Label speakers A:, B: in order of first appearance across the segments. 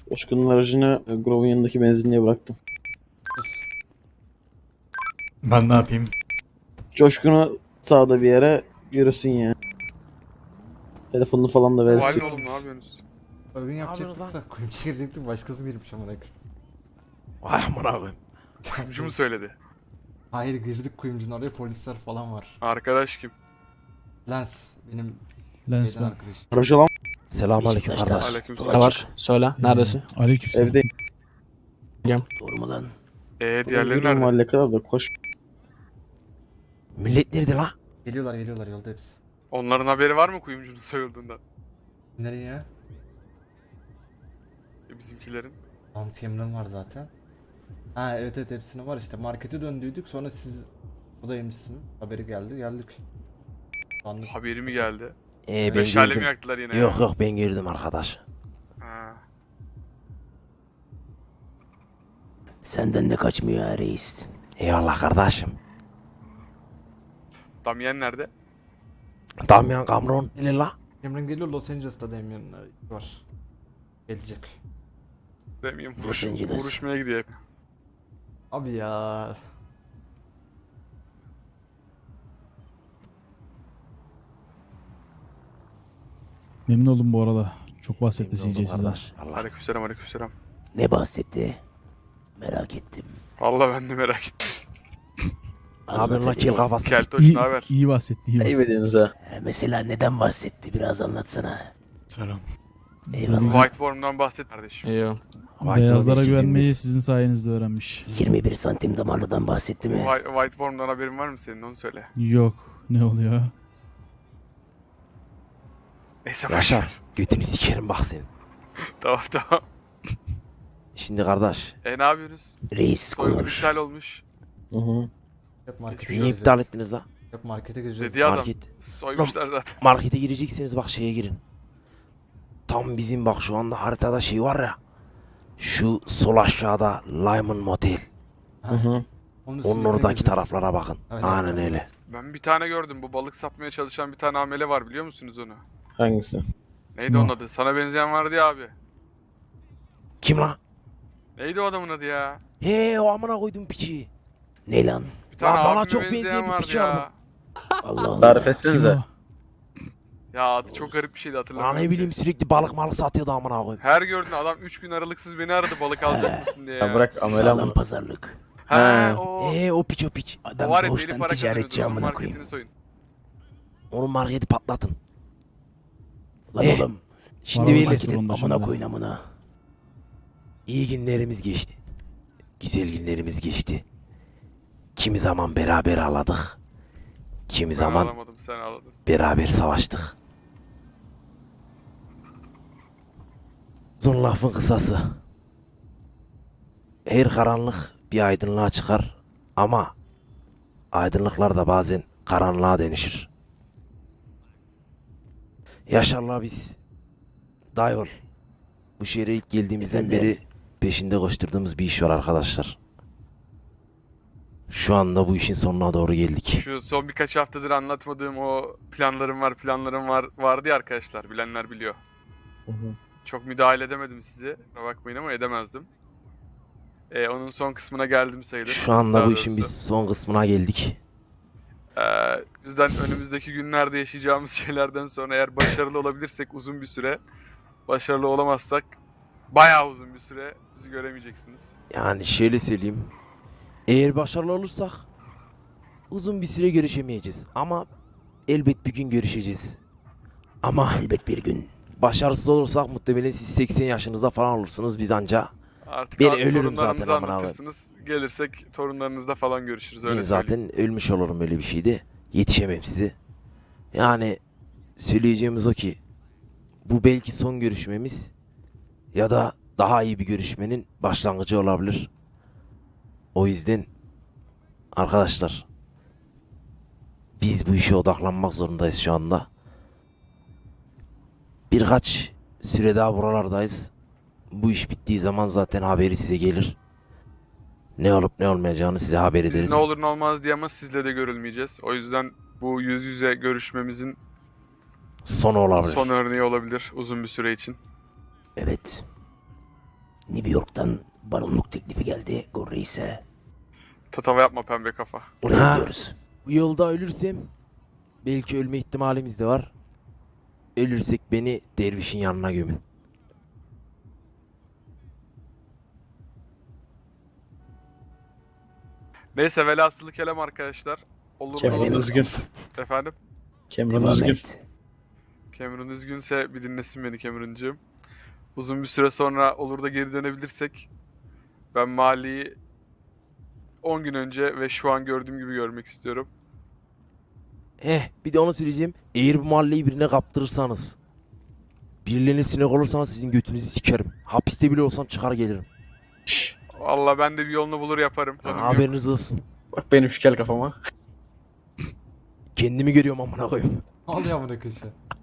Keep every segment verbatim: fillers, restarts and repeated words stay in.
A: Coşkun'un aracını e, Grove'un yanındaki benzinliğe bıraktım.
B: Ben ne yapayım?
A: Coşkun'u sağda bir yere yürüsün ya. Telefonunu falan da
C: Valin
A: versin.
C: oğlum ne yapıyorsunuz?
B: Oyun
D: yapıyorsunuz
B: yapacaktık da kuyumcu girecektik başkası girmiş amına koyayım.
D: Vay amına koyayım.
C: Kuyumcu mu söyledi?
B: Hayır girdik kuyumcunun oraya polisler falan var.
C: Arkadaş kim?
B: Lens benim
E: Lens
B: şeyden
E: ben.
B: arkadaş.
A: Aracı olan
D: Selamünaleyküm kardeş.
C: Aleykümselam.
F: Ne var? Söyle. Neredesin?
E: Aleykümselam.
A: evde.
D: Doğru mu lan?
C: Eee diğerleri
A: Yürü
C: nerede?
A: mahalle kadar da koş.
D: Millet nerede la?
B: Geliyorlar geliyorlar yolda hepsi.
C: Onların haberi var mı kuyumcunun soyulduğundan?
B: Nereye ya?
C: E, bizimkilerin.
B: Tamam teminatım var zaten. Ha evet evet hepsine var işte markete döndüydük sonra siz buradaymışsınız. Haberi geldi geldik. Anladım.
C: Haberi mi geldi?
D: Ee ben
C: Meşale mi
D: gördüm.
C: yaktılar yine?
D: Yok yok ben gördüm arkadaş.
C: Ha.
G: Senden de kaçmıyor ha reis.
D: Eyvallah kardeşim.
C: Damien nerede?
D: Damian Cameron ile la.
B: Emre'm geliyor Los Angeles'ta Damien'in var. Gelecek.
C: Damien
G: Los
C: vuruş,
G: Angeles.
C: vuruşmaya gidiyor.
B: Abi ya.
E: Memnun oldum bu arada. Çok bahsetti
D: Memnun
E: C J
D: oldum
E: sizden.
D: kardeş. Allah.
C: Aleykümselam aleykümselam.
G: Ne bahsetti? Merak ettim.
C: Vallahi ben de merak ettim.
D: Ne yapıyorsun la kel kafası?
C: Keltoş
E: İyi,
C: ne haber?
E: iyi bahsetti, iyi bahsetti.
A: ediyorsunuz ha.
G: Ee, Mesela neden bahsetti? Biraz anlatsana.
B: Selam.
G: Eyvallah.
C: White Worm'dan bahset kardeşim.
F: İyi.
D: Vay
E: Beyazlara
D: tabii,
E: güvenmeyi
D: ikizimiz.
E: sizin sayenizde öğrenmiş.
G: yirmi bir santim damarlıdan bahsetti mi?
C: White, White Worm'dan haberin var mı senin onu söyle.
E: Yok. Ne oluyor?
C: Neyse boş ver.
D: Yaşar götünü sikerim bak senin.
C: Tamam tamam.
D: Şimdi kardeş.
C: E ne yapıyorsunuz?
G: Reis
C: Soygun
G: konuş.
C: iptal olmuş.
A: Hı hı.
B: Yok markete
D: Niye
B: gireceğiz.
D: iptal ettiniz la?
B: Yok markete gireceğiz.
C: Dedi adam.
D: Market.
C: Soymuşlar zaten.
D: Markete gireceksiniz bak şeye girin. Tam bizim bak şu anda haritada şey var ya. Şu sol aşağıda Lyman Motel.
B: Ha,
A: Hı hı.
B: Onun,
D: Onun
B: üstüne
D: oradaki
B: gireceğiz.
D: taraflara bakın.
B: Evet,
D: Aynen
B: evet,
D: öyle.
B: evet.
C: Ben bir tane gördüm. Bu balık satmaya çalışan bir tane amele var biliyor musunuz onu?
A: Hangisi?
C: Neydi
E: Kim
C: onun
E: o?
C: adı? Sana benzeyen vardı ya abi.
D: Kim lan?
C: Neydi o adamın adı ya?
D: He o amına koydum piçi.
G: Ne lan?
C: Bir tane
D: Lan bana
C: abime
D: çok
C: benzeyen
D: benzeyen bir
C: vardı
D: piç var
C: ya.
D: mı?
G: Allah Allah.
A: Tarif
E: Kim
A: etsenize.
E: o?
C: Ya adı çok garip bir şeydi
D: Lan
C: hatırlamıyorum.
D: ne
C: ki.
D: bileyim sürekli balık malık satıyordu amına koyayım.
C: Her gördüğün adam üç gün aralıksız beni aradı balık alacak mısın diye ya.
A: Ya bırak amele
G: Sağlam
A: ama.
G: pazarlık.
C: He
A: He.
C: o.
D: He o piç o piç.
C: O
G: Adam
C: var ya deli
G: doğuştan
C: para
G: ticaretçi
C: kazanıyordu. Onun
G: amına
C: marketini
G: koyayım.
C: soyun.
D: Onun marketi patlatın.
G: Lan
D: Eh,
G: oğlum.
D: Şimdi
E: Var
D: beyler
E: market
G: Marketin
E: onda
G: amına
E: şimdi.
G: koyun amına.
D: iyi günlerimiz geçti. Güzel günlerimiz geçti. Kimi zaman beraber ağladık. Kimi
C: Ben
D: zaman
C: alamadım sen ağladın.
D: beraber savaştık. Uzun lafın kısası. Her karanlık bir aydınlığa çıkar ama aydınlıklar da bazen karanlığa dönüşür. Yaşar'la biz daha yol. Bu şehre ilk geldiğimizden
G: Efendim?
D: beri peşinde koşturduğumuz bir iş var arkadaşlar. Şu anda bu işin sonuna doğru geldik.
C: Şu son birkaç haftadır anlatmadığım o planlarım var planlarım var vardı ya arkadaşlar bilenler biliyor.
A: Hı hı.
C: Çok müdahale edemedim size. Kusura bakmayın ama edemezdim. Ee, onun son kısmına geldim sayılır.
D: Şu anda
C: Daha
D: bu işin
C: doğrusu.
D: biz son kısmına geldik.
C: Ee, bizden önümüzdeki günlerde yaşayacağımız şeylerden sonra eğer başarılı olabilirsek uzun bir süre, başarılı olamazsak bayağı uzun bir süre bizi göremeyeceksiniz.
D: Yani şöyle söyleyeyim. Eğer başarılı olursak uzun bir süre görüşemeyeceğiz. Ama elbet bir gün görüşeceğiz. Ama
G: Elbet bir gün.
D: başarısız olursak muhtemelen siz seksen yaşınızda falan olursunuz. Biz anca
C: Artık
D: Ben
C: abi
D: ölürüm
C: torunlarınıza
D: zaten, amına
C: anlatırsınız. Gelirsek torunlarınızla falan görüşürüz öyle
D: ben
C: söyleyeyim.
D: zaten ölmüş olurum öyle bir şeyde. Yetişemem size. Yani söyleyeceğimiz o ki bu belki son görüşmemiz ya da daha iyi bir görüşmenin başlangıcı olabilir. O yüzden arkadaşlar biz bu işe odaklanmak zorundayız şu anda. Birkaç süre daha buralardayız. Bu iş bittiği zaman zaten haberi size gelir. Ne olup ne olmayacağını size haber ederiz.
C: Biz ne olur ne olmaz diye ama sizle de görülmeyeceğiz. O yüzden bu yüz yüze görüşmemizin
D: Sonu olabilir.
C: son örneği olabilir uzun bir süre için.
G: Evet. New York'tan baronluk teklifi geldi Gor Reis'e.
C: Tatava yapma pembe kafa.
G: Oraya
D: Ha.
G: gidiyoruz.
D: Bu yolda ölürsem belki ölme ihtimalimiz de var. Ölürsek beni dervişin yanına gömün.
C: Neyse velhasılı kelam arkadaşlar. Olur
A: Kemal
C: olur.
A: Üzgün.
C: Efendim?
A: Cameron
G: Devam
A: Üzgün.
G: et.
C: Cameron üzgünse bir dinlesin beni Cameron'cığım. Uzun bir süre sonra olur da geri dönebilirsek ben Mali'yi on gün önce ve şu an gördüğüm gibi görmek istiyorum.
D: Eh bir de onu söyleyeceğim. Eğer bu mahalleyi birine kaptırırsanız, birilerine sinek olursanız sizin götünüzü sikerim. Hapiste bile olsam çıkar gelirim.
C: Vallahi ben de bir yolunu bulur yaparım. Canım yok.
D: Haberiniz olsun.
A: Bak benim şu kel kafama.
D: Kendimi görüyorum amına koyayım.
B: Ne oluyor amına köşe?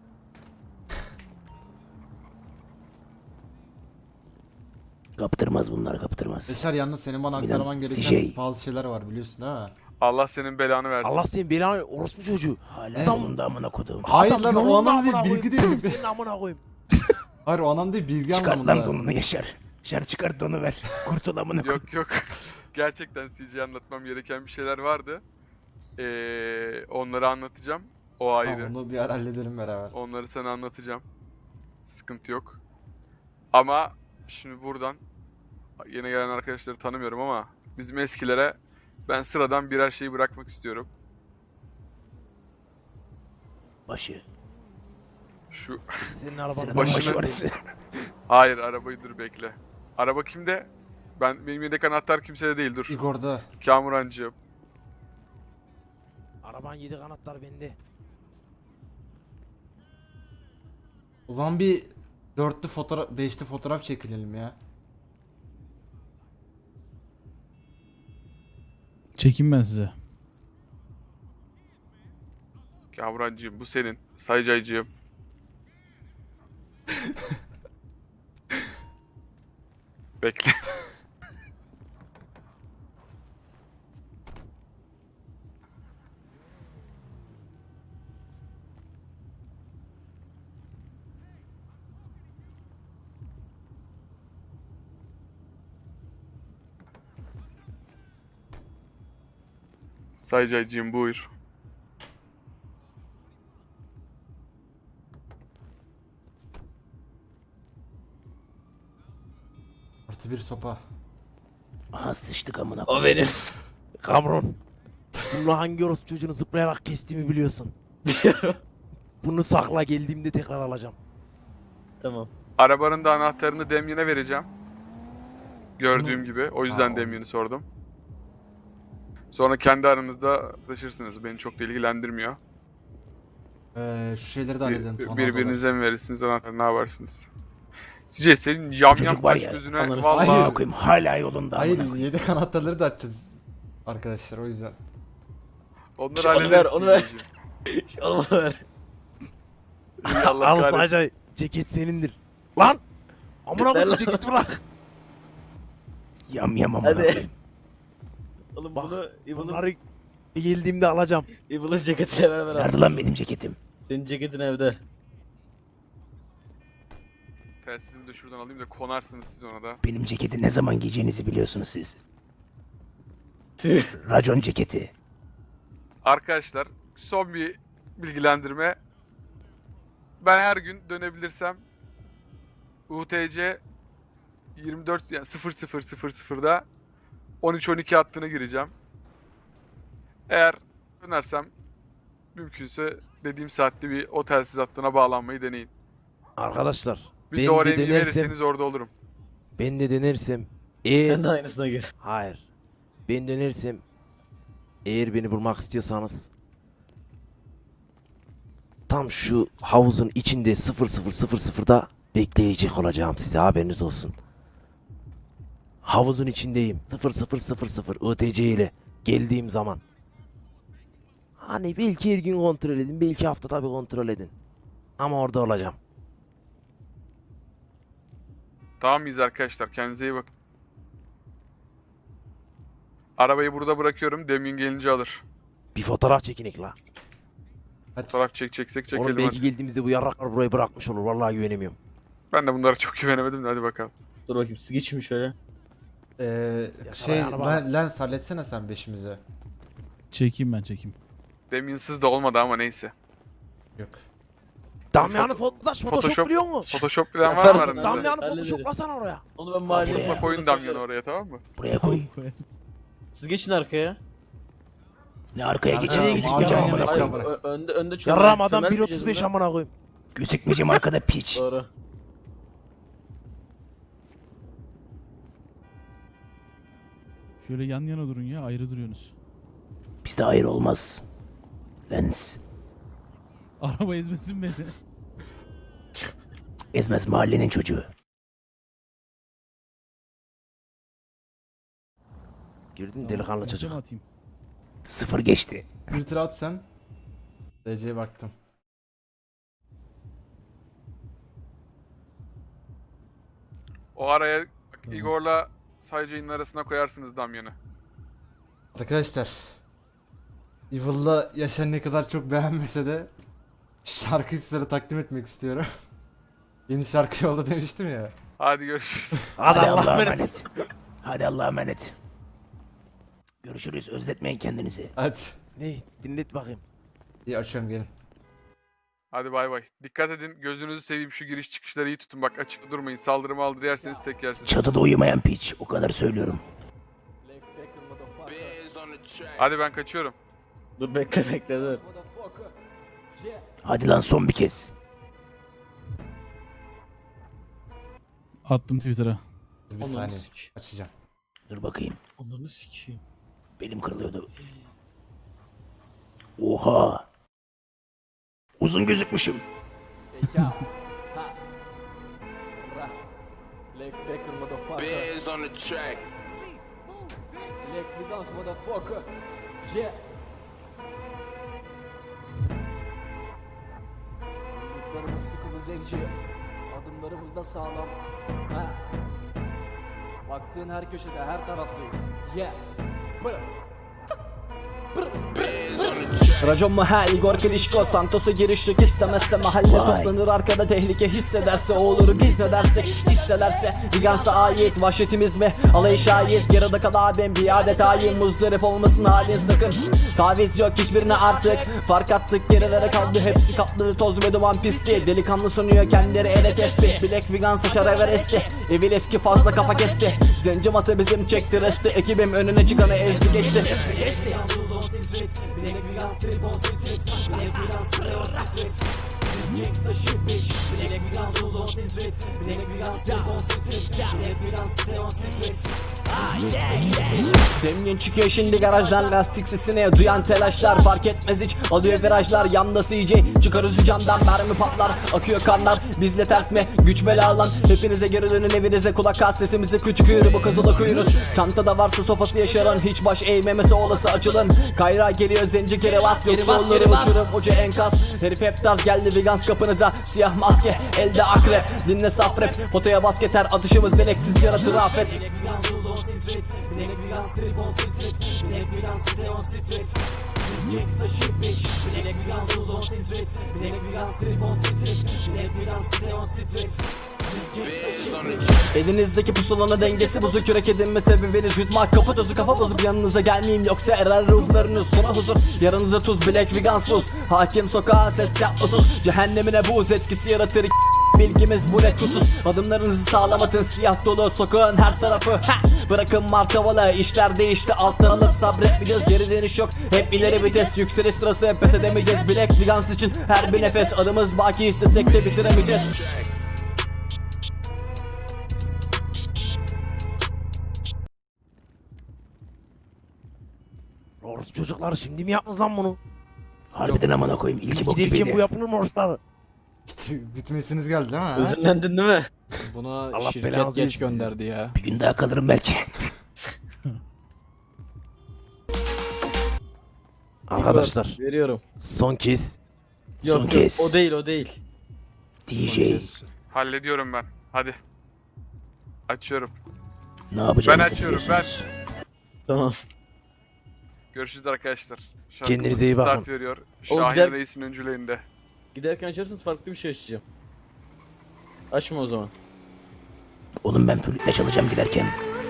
G: Kaptırmaz bunlar kaptırmaz.
B: Beşer yalnız senin bana
G: Milan,
B: aktarman gereken
G: şey.
B: bazı şeyler var biliyorsun değil mi?
C: Allah senin belanı versin.
D: Allah senin belanı orospu çocuğu.
G: Hala
D: Adam-
G: yolunda amına kodum.
B: Hayır
D: Adam
B: lan, o
D: yolunda
B: anlamda
D: amına
B: değil, bilgi
D: koyayım.
B: değil.
D: Senin amına koyayım.
B: Hayır o anlamda değil, bilgi
G: Çıkart lan
B: anlamında.
G: donunu Yaşar. Yaşar çıkart donu ver. Kurtul amına kodum.
C: Yok yok. Gerçekten C J'ye anlatmam gereken bir şeyler vardı. Ee, onları anlatacağım. O
B: Ha,
C: ayrı.
B: onu bir ara halledelim beraber.
C: Onları sana anlatacağım. Sıkıntı yok. Ama şimdi buradan yeni gelen arkadaşları tanımıyorum ama bizim eskilere ben sıradan birer şeyi bırakmak istiyorum.
G: Başı.
C: Şu
D: Senin arabanın
G: Sıradan
C: başına-
G: başı orası.
C: hayır arabayı dur bekle. Araba kimde? Ben benim yedek anahtar kimsede değil dur.
B: Igor'da.
C: Kamurancığım.
D: Araban yedi kanatlar bende.
B: O zaman bir dörtlü fotoğraf, beşli fotoğraf çekilelim ya.
E: Çekeyim ben size.
C: Kamurancığım bu senin. Saycaycığım. Bekle. Saycaycığım buyur.
B: Artı bir sopa.
G: Aha sıçtık amına
A: O
G: kodum.
A: benim.
D: Kamron. Bunu hangi orospu çocuğunu zıplayarak kestiğimi biliyorsun.
A: Biliyorum.
D: Bunu sakla geldiğimde tekrar alacağım.
A: Tamam.
C: Arabanın da anahtarını Damien'e vereceğim. Gördüğüm gibi. O yüzden
B: Aa,
C: Damien'i sordum. Sonra kendi aranızda taşırsınız. Beni çok da ilgilendirmiyor.
B: Ee, şu şeyleri de
C: Bir-
B: halledelim.
C: bir-
B: tornadolar.
C: birbirinize mi verirsiniz anahtarı ne yaparsınız? Sizce senin yam
G: Çocuk
C: yam
G: var
C: kaş
G: ya,
C: gözüne
A: anlarız.
C: vallahi
B: Hayır.
G: Amına koyayım hala yolunda amına
B: Hayır
G: koyayım.
B: yedek anahtarları da açacağız. Arkadaşlar o yüzden.
C: onları
A: Onu ver,
C: hallederiz.
A: onu ver.
C: Sizciğim.
A: Oğlum ver.
C: İyi, Allah
D: Al
C: kahretsin.
D: sadece ceket senindir. Lan! Amına
A: Yeter
D: koyayım
A: lan.
D: ceketi bırak.
G: Yam yam amına
A: Hadi.
G: koyayım.
A: Oğlum
D: Bak,
A: bunu Evil'ın
D: Bunları geldiğimde alacağım.
A: Evil'ın ceketiyle beraber al.
G: Nerede lan benim ceketim?
A: Senin ceketin evde.
C: Telsizimi de şuradan alayım da konarsınız siz ona da.
G: Benim ceketi ne zaman giyeceğinizi biliyorsunuz siz.
A: Tüh.
G: Racon ceketi.
C: Arkadaşlar son bir bilgilendirme. Ben her gün dönebilirsem U T C yirmi dört yani sıfır sıfır sıfır sıfırda on üç on iki hattına gireceğim. Eğer dönersem mümkünse dediğim saatte bir o telsiz hattına bağlanmayı deneyin.
D: Arkadaşlar
C: Bir
D: ben
C: doğru
D: de
C: emri
D: denersem,
C: verirseniz orada olurum.
D: ben de denersem eğer
A: Sen de aynısına gir.
D: hayır ben dönersem eğer beni bulmak istiyorsanız tam şu havuzun içinde sıfır sıfır sıfır sıfırda bekleyecek olacağım size haberiniz olsun. Havuzun içindeyim sıfır sıfır sıfır sıfır U T C ile geldiğim zaman. Hani belki her gün kontrol edin belki haftada bir kontrol edin. Ama orada olacağım.
C: Tamam mıyız arkadaşlar? Kendinize iyi bakın. Arabayı burada bırakıyorum. Demin gelince alır.
D: Bir fotoğraf çekinek la.
B: Hadi.
C: Fotoğraf çek çek çek çekelim
D: Oğlum belki
C: hadi.
D: geldiğimizde bu yarraklar burayı bırakmış olur. Vallahi güvenemiyorum.
C: Ben de bunlara çok güvenemedim de hadi bakalım.
A: Dur bakayım siz geçin şöyle.
B: Ee, şey Len- Lens halletsene sen beşimize.
E: Çekeyim ben çekeyim.
C: Deminsiz de olmadı ama neyse.
B: Yok.
D: Damian'ı Photoshop, Photoshop
C: Photoshop-
D: biliyor musun?
C: Photoshop bilen var mı
A: Yaparsın
C: aranızda?
A: abi.
D: Damian'ı
A: Hallederiz.
D: Photoshoplasana oraya.
A: Onu ben mahalleye...
G: Buraya.
C: Unutma koyun Damyan'ı oraya, tamam mı?
G: Buraya koy.
E: Koyarız.
A: Siz geçin arkaya.
G: Ne arkaya
B: Nerede?
G: geçeyim?
D: Nereye
B: Mavi
D: geçeceğim?
B: yan yana
A: Hayır,
B: işte bana.
A: ö- önde önde çömel-
D: Yarram adam
A: çömel
D: bir otuz
A: diyeceğiz
D: beş
A: buna.
D: amına koyayım.
G: Gözükmeyeceğim arkada piç.
A: Doğru.
E: Şöyle yan yana durun ya, ayrı duruyorsunuz.
G: Bizde hayır olmaz. Lens.
E: Araba ezmesin beni.
G: Ezmez mahallenin çocuğu.
D: Gördün mü delikanlı
E: Ortaya
D: çocuk.
E: mı atayım?
G: Sıfır geçti.
B: Bir tıra at sen. D C'ye baktım.
C: O araya bak,
E: Tamam.
C: Igor'la Saycay'ın arasına koyarsınız Damyan'ı.
B: Arkadaşlar. Evil'la Yaşar ne kadar çok beğenmese de şarkıyı sizlere takdim etmek istiyorum. Yeni şarkı yolda demiştim ya.
C: Hadi görüşürüz.
D: Hadi
G: Hadi
D: Allah'a
G: Allah'a
D: emanet.
G: emanet. Hadi Allah'a emanet. Görüşürüz. Özletmeyin kendinizi.
B: Hadi.
D: Ne? Dinlet bakayım.
B: İyi açıyorum gelin.
C: Hadi bay bay. Dikkat edin, gözünüzü seveyim, şu giriş çıkışları iyi tutun. Bak açıkta durmayın. Saldırı maldırı yerseniz tek yersiniz.
G: Çatıda uyumayan piç. O kadar söylüyorum.
C: Hadi ben kaçıyorum.
A: Dur bekle bekle dur.
G: Hadi lan son bir kez.
E: Attım Twitter'a.
B: Bir
A: Onları
B: saniye.
A: sik.
B: Açacağım.
G: Dur bakayım.
A: Onları sikeyim.
G: Belim kırılıyordu. Oha. Uzun gözükmüşüm.
F: Biz on the track.
H: Black Vegas motherfucker. Yeah. Yumruklarımız sıkılı zenci. Adımlarımız da sağlam. Ha. Baktığın her köşede, her taraftayız. Yeah. Bırak. Racon mu ha Igor Klişko Santos'a giriş yok istemezse mahalle
G: Vay.
H: toplanır arkada tehlike hissederse o olur biz ne dersek hisselerse Vegans'a ait vahşetimiz mi alayı şahit yarıda kal abim bir adet hain muzdarip olmasın halin sakın taviz yok hiçbirine artık fark attık gerilere kaldı hepsi katladı toz ve duman pisti delikanlı sunuyor kendileri ele tespih Black Vegans'a şarever esti evil eski fazla kafa kesti zenci masa bizim çekti resti ekibim önüne çıkanı ezdi geçti Black Vegas trip on street Black Vegas trip on street Biz gangsta shit bitch Black Vegas on street Black Vegas trip on street Black Vegas trip on street Demyen çıkıyor şimdi garajdan lastik sesini duyan telaşlar fark etmez hiç alıyor virajlar yanda C J çıkar üzü camdan mermi patlar akıyor kanlar bizle ters mi güç bela alan hepinize geri dönün evinize kulak as sesimize küçük yürü bu kızıla kuyunuz çantada varsa sopası yaşaran hiç baş eğmemesi olası açılın kayra geliyor zenci geri bas yoksa onları uçurum ucu enkaz herif hep tarz geldi Vegans kapınıza siyah maske elde akrep dinle saf rap potaya basketer atışımız deleksiz yaratır afet Black Vegas trip on street Black Vegas stay on street Biz gangsta shit bitch Black Vegas on street Black Vegas trip on street Black Vegas stay on street Biz gangsta shit bitch Elinizdeki pusulanın dengesi bozuk yürek edinme sebebiniz yutmak kapı tozu kafa bozup yanınıza gelmeyeyim yoksa erer ruhlarınız sona huzur yarınıza tuz Black Vegas sus hakim sokağa ses yapmasız cehennemine buz etkisi yaratır Bilgimiz bu net kutsuz adımlarınızı sağlamadın siyah dolu sokağın her tarafı ha! Bırakın martavalı işler değişti alttan alıp sabretmeyeceğiz geri dönüş yok hep ileri vites yükseliş sırası pes edemeyeceğiz Black Vegans için her bir nefes adımız baki istesek de bitiremeyeceğiz
D: Orası çocuklar şimdi mi yaptınız lan bunu?
G: Harbiden amına koyayım. İlki bok
D: Giderken bu
G: gibiydi.
D: yapılır mı oroslar?
B: Bitmesiniz geldi değil mi? ha?
A: Üzünlendin değil mi?
H: Buna
D: Allah
H: şirket
D: belanızı
H: geç
D: versin.
H: gönderdi ya.
G: Bir gün daha kalırım belki.
D: Arkadaşlar
A: Veriyorum.
D: son kez
A: Yok
G: Son
A: yok
G: kez.
A: o değil o değil.
G: D J.
C: Hallediyorum ben. Hadi. Açıyorum.
G: Ne yapacağınızı
C: Ben açıyorum, ben.
G: biliyorsunuz.
A: Tamam.
C: Görüşürüz arkadaşlar.
D: Kendinize iyi
C: Start
D: bakın.
C: veriyor.
A: Oğlum
C: Şahin
A: gider-
C: Reis'in öncülüğünde.
A: Giderken açarsanız farklı bir şey açacağım. Açma o zaman.
G: Oğlum ben flütle çalacağım giderken.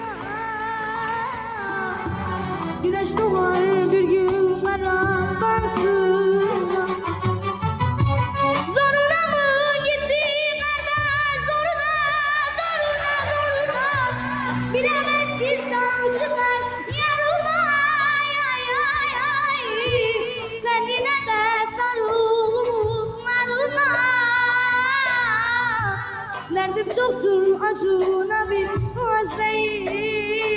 I: Güneş doğar bir gün kara batıya. Zoruna mı gitti kardeş, zoruna, zoruna, zoruna. Bilemez ki sağ çıkar yarına, ay, ay, ay. Sen yine de sarıl narına. Derdim çoktur acına bir az değil.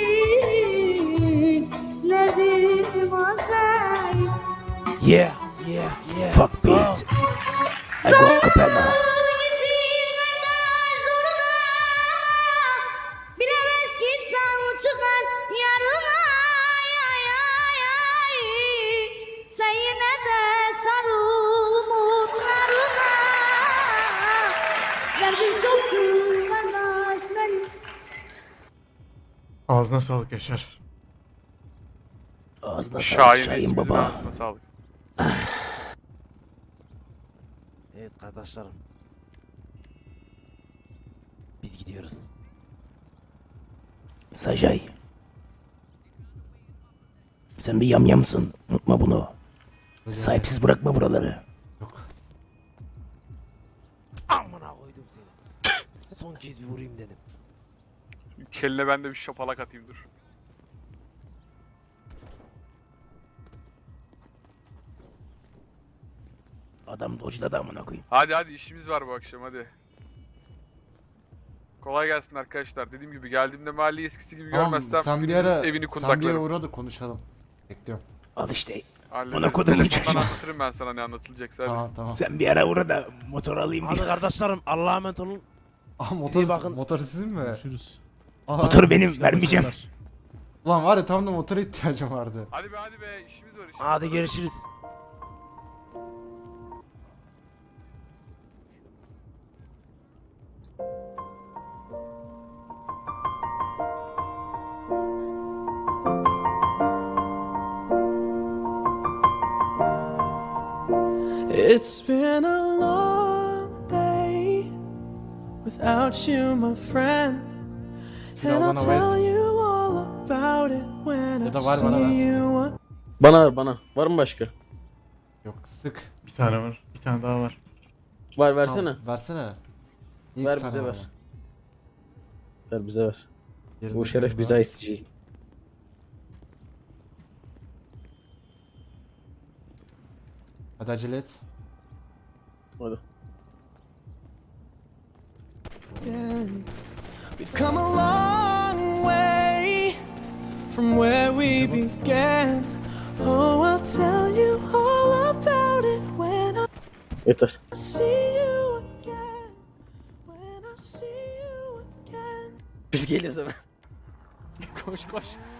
I: Derdim az değil.
D: Yeah, yeah, yeah.
G: Fuck beat. I go Capella.
I: Bilemez ki sen çıkar yarına, ay, ay, ay. Sen yine de sarıl mutlarına. Derdim çoktur kardeş benim.
J: Ağzına sağlık Yaşar.
G: Ağzına sağlık
C: Şahin
G: Şahin
C: reisimizin
G: baba.
C: ağzına sağlık.
D: Evet kardeşlerim. Biz gidiyoruz.
G: Sajay. Sen bir yamyamsın. Unutma bunu. Sahipsiz bırakma buraları.
D: Amına koydum seni. Son kez bir vurayım dedim.
C: Keline ben de bir şapalak atayım dur.
G: Adam dodge'ladı amına koyayım.
C: Hadi hadi işimiz var bu akşam hadi. Kolay gelsin arkadaşlar. Dediğim gibi geldiğimde mahalleyi eskisi gibi
B: Tamam,
C: görmezsem
B: sen bir
C: birinizin
B: ara
C: evini
B: sen bir
C: kundaklarım.
B: uğra da konuşalım. Bekliyorum.
G: Al işte.
C: Hallederiz.
G: Bana kodumun
C: Telefondan
G: çocuğu.
C: anlatırım ben sana ne anlatılacaksa hadi.
B: Tamam tamam.
G: Sen bir ara uğra da motor alayım
D: Hadi
G: diye.
D: kardeşlerim Allah'a emanet olun.
B: Aa motor,
D: İyi bakın.
B: motor sizin mi?
E: Görüşürüz.
B: Aa,
G: Motoru benim
E: İşte
G: vermeyeceğim.
E: başarılar.
B: Ulan var ya tam da motora ihtiyacım vardı.
C: Hadi be hadi be işimiz var işimiz
D: Hadi
C: var.
D: görüşürüz.
F: It's been a long day without you, my friend. And I'll tell you all about it when I
B: Ya da var bana
F: see
B: versin.
F: you.
A: Bana ver bana. Var mı başka?
B: Yok sık.
J: Bir tane var. Bir tane daha var.
A: Var versene.
B: Tamam, versene. İyi
A: Ver
B: bir tane
A: bize
B: var.
A: ver. Ver bize ver.
B: Yerinde
A: Bu şeref
B: kim
A: bize
B: var?
A: ait. G.
B: Hadi acele et.
A: Hadi.
F: We've come a long way from where we began. Oh, I'll tell you all about it when I
A: Yeter.
F: see you again. When I see you again.
A: Biz geliyoruz hemen.
C: Koş koş.